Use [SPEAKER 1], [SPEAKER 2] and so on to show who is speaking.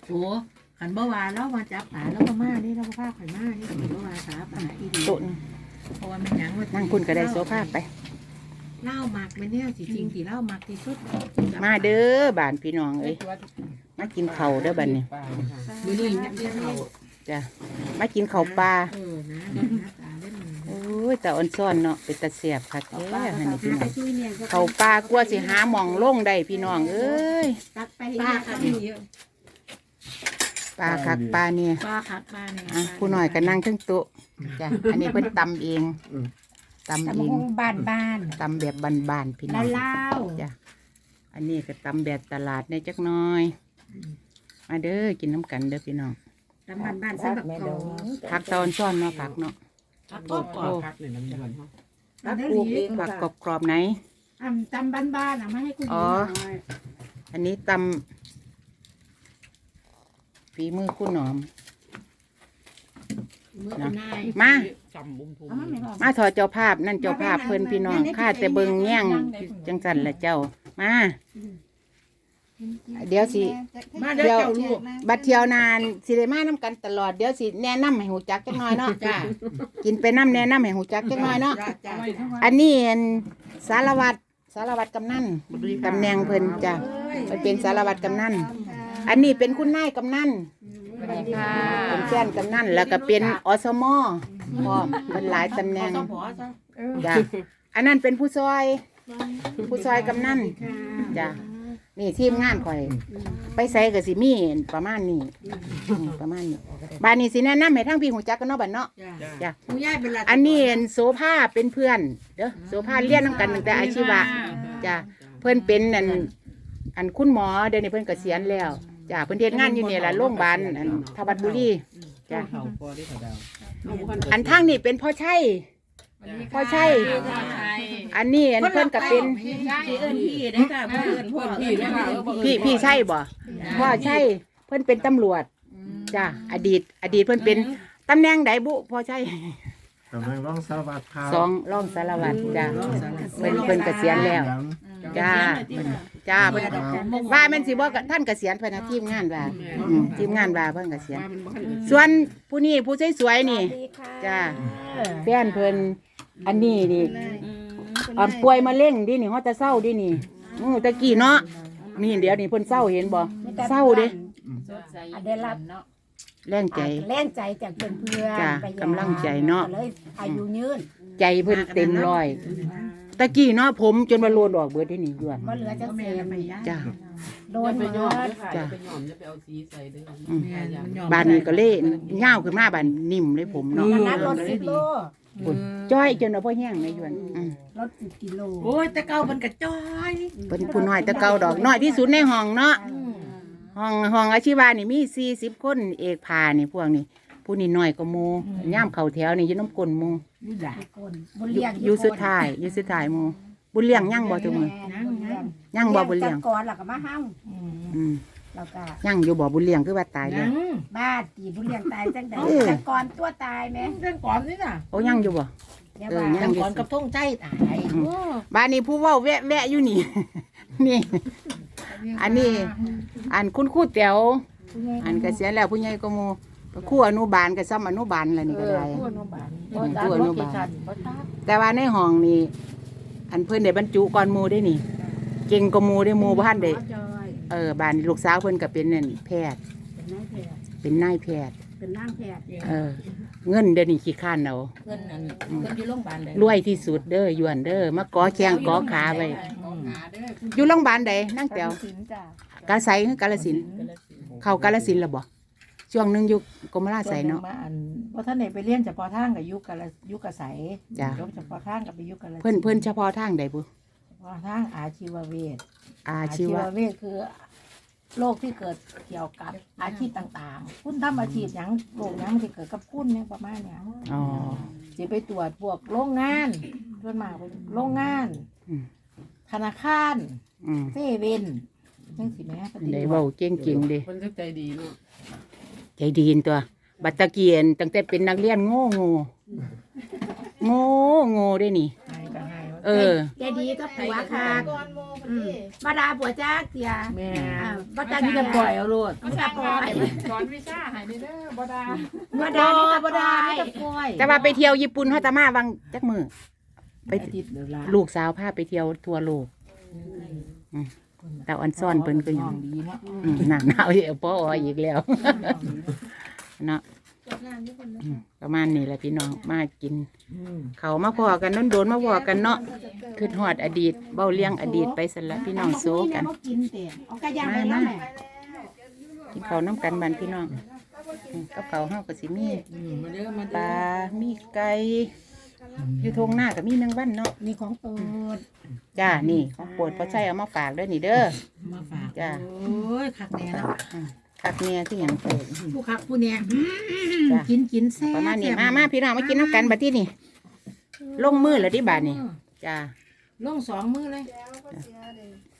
[SPEAKER 1] โอ้ขันบ่วาแล้วมาจับป่าแล้วก็มานี่แล้วก็พาข่อยมานี่ขันบ่วาสาป่าอีดี
[SPEAKER 2] ตุน
[SPEAKER 1] เพราะว่ามันหยังว่า
[SPEAKER 2] นั่งคุณก็ได้โซฟาไป
[SPEAKER 1] เล่าหมักมันเนี่ยสิจริงที่เล่าหมักที่สุด
[SPEAKER 2] มาเด้อบ้านพี่น้องเอ้ยมากินข้าวเด้อบัดนี้
[SPEAKER 1] มื้อนี้นักเรียนเขา
[SPEAKER 2] จ้ะมากินข้าวปลา
[SPEAKER 1] นะตาเล่น
[SPEAKER 2] โอ้ยแต่อ่อนซ่อนเนาะเป็นตาเสียบคักแท้หั่นนี่พี่น้อง
[SPEAKER 1] ช่วยเนี่ย
[SPEAKER 2] ข้าวปลากลัวสิหาหม่องลงได้พี่น้องเอ้ย
[SPEAKER 1] ตักไปปลาค่ะนี่
[SPEAKER 2] ปลาคักปลาเนี่ย
[SPEAKER 1] ปลาคัดปลาเนี่ย
[SPEAKER 2] อ่ะผู้น้อยก็นั่งเทั้งโต๊ะจ้ะอันนี้เพิ่นตำเองตำเอง
[SPEAKER 1] บ้านบ้าน
[SPEAKER 2] ตำแบบบานๆพี่น้อง
[SPEAKER 1] เล่า
[SPEAKER 2] จ้ะอันนี้ก็ตำแบบตลาดในจักหน้อย มาเด้อกินน้ำกันเด้อพี่น้อง
[SPEAKER 1] ตำบ้านบ้านสำหรับเขา
[SPEAKER 2] ผักตอนซ่อนเนาะผักเนาะ
[SPEAKER 1] ผักกรอบกรอบ
[SPEAKER 3] พักเลยน้ำมันเขา
[SPEAKER 1] ตัก
[SPEAKER 2] ปลูกเองผักกรอบๆไหน
[SPEAKER 1] ตำบ้านบ้านอ่ะไม่ให้คุณ
[SPEAKER 2] อันนี้ตำฝีมือคุณหนอม มา
[SPEAKER 3] จำบุ้มทุ่ม
[SPEAKER 2] มาถอดเจ้าภาพนั่นเจ้าภาพเพิ่นพี่น้องข้าแต่เบิงแย่งจังสันละเจ้ามาเดี๋ยวสิ
[SPEAKER 1] มาเดี๋ยวเจ้าลูก
[SPEAKER 2] บัดเที่ยวนานสิได้มานํกันตลอดเดี๋ยวสิแนะนำให้หูจักจักหน่อยเนาะ
[SPEAKER 1] จ้า
[SPEAKER 2] กินไปน้ำแนะนำให้หูจักจักหน่อยเนาะ
[SPEAKER 1] จ้า
[SPEAKER 2] อันนี้อันสารวัตรกำนันตำแหน่งเพิ่นจ้ะมันเป็นสารวัตรกำนันอันนี้เป็นคุณนายกำนันเป็นแฟนกำนันแล้วก็เป็นอสมพร้อมเป็นหลายตำแหน่งจ้ะอันนั้นเป็นผู้ซอยกำนันจ้ะนี่ทีมงานข่อย ไปใส่กับสิมีประมาณนี้ประมาณนี้บ้านนี้สิแนะนำให้ทั้งพี่หูจักกันเนาะบัดเนาะจ้ะ
[SPEAKER 1] ผู้ใหญ่เป็นหลัก
[SPEAKER 2] อันนี้โสภาเป็นเพื่อนเด้อโสภาเรียนนำกันตั้งแต่อาชีวะจ้ะเพิ่นเป็นอันคุณหมอเดี๋ยวนี้เพิ่นเกษียณแล้วจ้ะเพิ่นเฮ็ดงานอยู่นี่ล่ะโรงพยาบาลอันทวัดบุรีจ้ะ
[SPEAKER 3] เขาพอได้เขาดาว
[SPEAKER 2] อันทางนี้เป็นพ่อชัยอันนี้อันเพิ่นก็เป็น
[SPEAKER 1] พี่เอิญพี่ได้ค่ะเพื่อนพ่อพี่ได้ค่ะ
[SPEAKER 2] พี่ใช่บ่พ่อใช่เพิ่นเป็นตำรวจจ้ะอดีตเพิ่นเป็นตำแหน่งใดบุพ่อใช่
[SPEAKER 4] กำลังร้องสวัสดิ์ครับ
[SPEAKER 2] สองรองสารวัตรจ้ะเพิ่นเกษียณแล้วจ้าเพิ่นว่าแม่นสิบ่ท่านเกษียณเพิ่นนะทีมงานว่าทีมงานว่าเพิ่นเกษียณส่วนผู้นี้ผู้สวยๆนี่จ้าแฟนเพิ่นอันนี้นี่ป่วยมะเร็งดินี่ฮอดจะเศร้าดินี่ตะกี้เนาะนี่เดี๋ยวนี่เพิ่นเศร้าเห็นบ่เศร้าเด้
[SPEAKER 5] ได้รับ
[SPEAKER 2] แรงใจ
[SPEAKER 5] แรงใจจากเพื่อนเพื่อน
[SPEAKER 2] จ้ะกำลังใจเนาะ
[SPEAKER 5] เลยอายุยืน
[SPEAKER 2] ใจเพิ่นเต็มร้อยตะกี้เนาะผมจนว่าโลดออกเบิดได้นี่ด่วน
[SPEAKER 5] ก็เหลือจะเสีย
[SPEAKER 2] จ้า
[SPEAKER 5] โดน
[SPEAKER 3] ไป
[SPEAKER 5] เบิ
[SPEAKER 3] ย้อม
[SPEAKER 5] ด
[SPEAKER 3] จะไปย้อมจะไปเอาสีใส่ด้วย
[SPEAKER 2] บ้านนี้ก็เล่ย่าวขึ้นมาบ้านนิ่มเลยผมเนาะ
[SPEAKER 5] นักรถ10 โล
[SPEAKER 2] จ้อยจนว่าพ่อแห้งในยวน
[SPEAKER 5] รถ10 กิโล
[SPEAKER 1] โอ้ยแต่เก่ามันกระจ้อย
[SPEAKER 2] เป็นผู้น้อยแต่เก่าดอกน้อยที่สุดในห้องเนาะห้องอาชีวะนี่มี40 คนเอกพานี่พวกนี้ผู้นี่น้อยก็หมู่ย่ามเข้าแถวนี่อยู่น้ำกลนหมู่
[SPEAKER 5] คนบุญเลี้ยง
[SPEAKER 2] อยู่สุดท้ายหมู่บุญเลี้ยงยังบ่ตัวมือยังบ่บุญเลี้ยง
[SPEAKER 5] ก่อนแล้วก็มาห้าง
[SPEAKER 2] อืม
[SPEAKER 5] แล้วก็
[SPEAKER 2] ยังอยู่บ่บุญเลี้ยงคือว่าตายแล้ว
[SPEAKER 5] บ้าตีบุญเลี้ยงตายจังได๋จังก่อนตัวตายแม่
[SPEAKER 1] เรื่องก่อนนี่น่ะ
[SPEAKER 2] โอ้ยังอยู่บ่
[SPEAKER 5] เดี๋ยว
[SPEAKER 2] ยั
[SPEAKER 5] ว่า
[SPEAKER 2] ง
[SPEAKER 1] เรื่องก่อนกับท่งใจตาย
[SPEAKER 2] บ้านนี้ผู้เว้าแวะอยู่นี่ นี่ อันนี้อันคุณครูแต๋วอันเกษียณแล้วผู้ใหญ่ก็หมู่ครูอนุบาลก็ซ้ำอนุบาลแล้วนี่ก็ได้
[SPEAKER 1] ผู้อนุบาล
[SPEAKER 2] ครูอนุบาลแต่ว่าในห้องนี่อันเพิ่นได้บรรจุก่อนหมู่ได้นี่ เก่งกว่าหมู่ได้หมู่บ่ทันได้บ้านลูกสาวเพิ่นก็เป็นนั่นแพทย์เป็นนายแพทย์
[SPEAKER 5] เป็นนางแพทย์
[SPEAKER 2] เงินเดี๋ยวนี้ขี้ข้านเอา
[SPEAKER 1] เพื่อนนั่นเพื่อนอยู่โรงพยาบาลเลย
[SPEAKER 2] รวยที่สุดเด้อยวนเด้อมาก่อแข้งก่อขาไว้อยู่โรงพยาบาลใดนั่งแต๋วกาฬไสคือกาฬสินธุ์เข้ากาฬสินธุ์แล้วบ่ช่วงหนึงอยู่กรมราชไสเนาะ
[SPEAKER 1] เพราะท่านเนี่ยไปเรียนเฉพาะทางกับยุคกระใส
[SPEAKER 2] จ้ะ
[SPEAKER 1] ยกเฉพาะทางกับไปยุคกระ
[SPEAKER 2] เพิ่นเฉพาะทางใดบุ
[SPEAKER 1] เฉพาะทางอาชีวเวช
[SPEAKER 2] อาชีวะ
[SPEAKER 1] เวชคือโรคที่เกิดเกี่ยวกับอาชีพต่างๆคุณทำอาชีพอย่างโรคอย่างมันจะเกิดกับคุณเนี่ยประมาณเนี้ย
[SPEAKER 2] อ๋อ
[SPEAKER 1] จะไปตรวจพวกโรงงานส่วนมากเป็นโรงงาน ธนาคาร เซเว่นจังสิแม่ปฏิ
[SPEAKER 2] ได้
[SPEAKER 1] บั
[SPEAKER 2] เว้า
[SPEAKER 1] ติ
[SPEAKER 2] เก่งๆเด้
[SPEAKER 3] คนใจดีเนาะ
[SPEAKER 2] ใจดีนตัว บัดตะเกียนตั้งแต่เป็นนักเรียนโง่เด้นี่
[SPEAKER 1] ให้ก็ให้ว่า
[SPEAKER 2] เออ
[SPEAKER 5] ใจดีก็ผัวค่ะมาดาผัวจ้าเตีย
[SPEAKER 1] แม่
[SPEAKER 5] บัตร
[SPEAKER 1] มี
[SPEAKER 5] นี่
[SPEAKER 1] แต่
[SPEAKER 5] ก็
[SPEAKER 1] ปล่อยเอาโลด
[SPEAKER 5] มันจะปล่อย
[SPEAKER 6] สอนวิชาให้เด้อบ่ดา
[SPEAKER 5] มาดานี่ก็
[SPEAKER 1] บ่
[SPEAKER 5] ปล่
[SPEAKER 1] ได้
[SPEAKER 5] อย
[SPEAKER 1] มีแต่ปล่อย
[SPEAKER 2] แต่ว่าไปเที่ยวญี่ปุ่นเฮาตะมาวังจักมือ
[SPEAKER 1] ไปอาทิตย์เดียวละ
[SPEAKER 2] ลูกสาวพาไปเที่ยวทั่วโลกแต่ออนซ่อนเพิ่นก็ยัง
[SPEAKER 1] ดีเนาะ
[SPEAKER 2] หนักหนาวเดี๋ยวพ่ออีกแล้วเนาะประมาณนี้แหละพี่น้องมากิน เขามาพอกันโดนๆมาพอกันเนาะคือฮอดอดีตเบ้าเลี้ยงอดีตไปสั่นละพี่น้องโซกัน
[SPEAKER 5] เขากินเตียเอากระยางไปแล้วแม่
[SPEAKER 2] กินข้าวน้ำกันบ้านพี่น้องกับข้าวเฮาก็สิมี
[SPEAKER 3] มาเด้อมา
[SPEAKER 2] ป
[SPEAKER 3] เด้อ
[SPEAKER 2] ลามีไก่อยู่ทงหน้าก็มีแมงวันเนาะ
[SPEAKER 5] นี่ของโปรด
[SPEAKER 2] จ้านี่ของโปรดพอใช้เอามาฝากเด้อนี่เด้อ
[SPEAKER 1] มาฝาก
[SPEAKER 2] จ้า
[SPEAKER 1] โอ้ยคักแน่เนาะ
[SPEAKER 2] คักเนี่ยที่หยังโปรด
[SPEAKER 1] ผู้คักผู้เนี่ย
[SPEAKER 2] จ้ะ
[SPEAKER 1] กินแซ่บ
[SPEAKER 2] ประมาณนี้มาพี่น้องมากินน้ำกันบัดที่นี่ลงมือแล้วที่บาทนี่จ้า
[SPEAKER 1] ลง2 มื้อเลย